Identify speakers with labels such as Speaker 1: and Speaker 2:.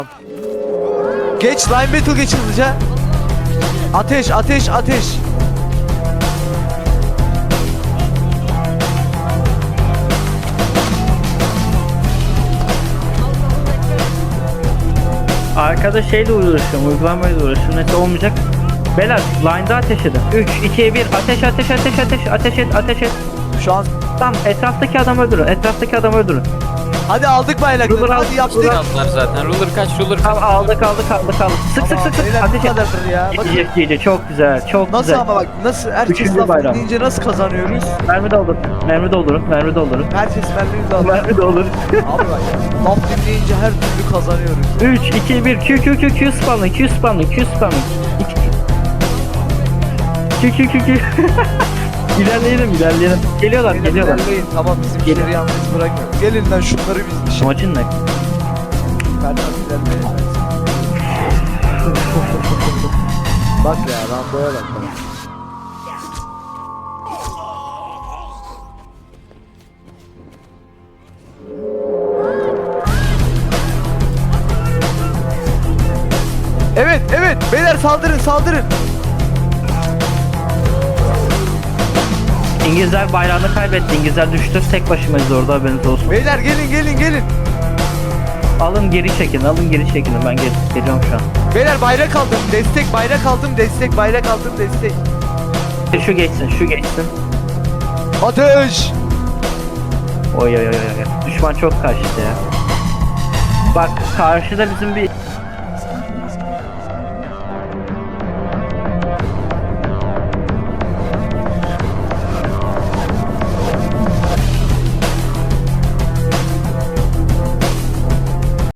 Speaker 1: Geç line battle geç hızlıca. Ateş ateş ateş.
Speaker 2: Arkada şeyle uğraşıyorum, uygulamayla uğraşıyorum. Neyse olmayacak. Beyler line'da ateş edin. 3, 2, 1 ateş ateş ateş ateş ateş et ateş et.
Speaker 1: Şu an
Speaker 2: Tamam etraftaki adamı öldürün. Etraftaki adamı öldürün.
Speaker 1: hadi aldık bayrakları.
Speaker 2: Ruler al,
Speaker 1: Hadi yaptık.
Speaker 2: ruler.
Speaker 3: Aldılar zaten. Ruler kaç, ruler kaç.
Speaker 2: Tamam aldık. Sık sık sık sık.
Speaker 1: Beyler bu
Speaker 2: Ateş et.
Speaker 1: kadardır ya. Bakın.
Speaker 2: GG çok güzel. Çok
Speaker 1: Nasıl
Speaker 2: güzel.
Speaker 1: ama bak nasıl herkes
Speaker 2: Üçüncü
Speaker 1: laf
Speaker 2: bayram.
Speaker 1: deyince nasıl kazanıyoruz?
Speaker 2: Mermi doldurun. Mermi doldurun. Mermi doldurun.
Speaker 1: Herkes mermimizi alıyor.
Speaker 2: Mermi doldurun.
Speaker 1: Abi bak laf dinleyince her türlü kazanıyoruz.
Speaker 2: 3, 2, 1 Q spamla Q spamla Q spamla Q İlerleyelim. Geliyorlar.
Speaker 1: İlerleyin. Tamam bizim
Speaker 2: Gelin.
Speaker 1: işleri yalnız bırakmayalım. Gelin lan şunları biz işe.
Speaker 2: Amacın ne?
Speaker 1: Ferhat ilerleyin. Bak ya Rambo'ya bak. Evet beyler saldırın.
Speaker 2: İngilizler bayrağını kaybetti. İngilizler düştü. Tek başımayız orada, haberiniz olsun.
Speaker 1: Beyler gelin.
Speaker 2: Alın geri çekin. Ben geliyorum şu an.
Speaker 1: Beyler bayrak aldım. Destek.
Speaker 2: Şu geçsin.
Speaker 1: Ateş.
Speaker 2: Oy. Düşman çok kaçtı ya. Bak karşıda bizim bir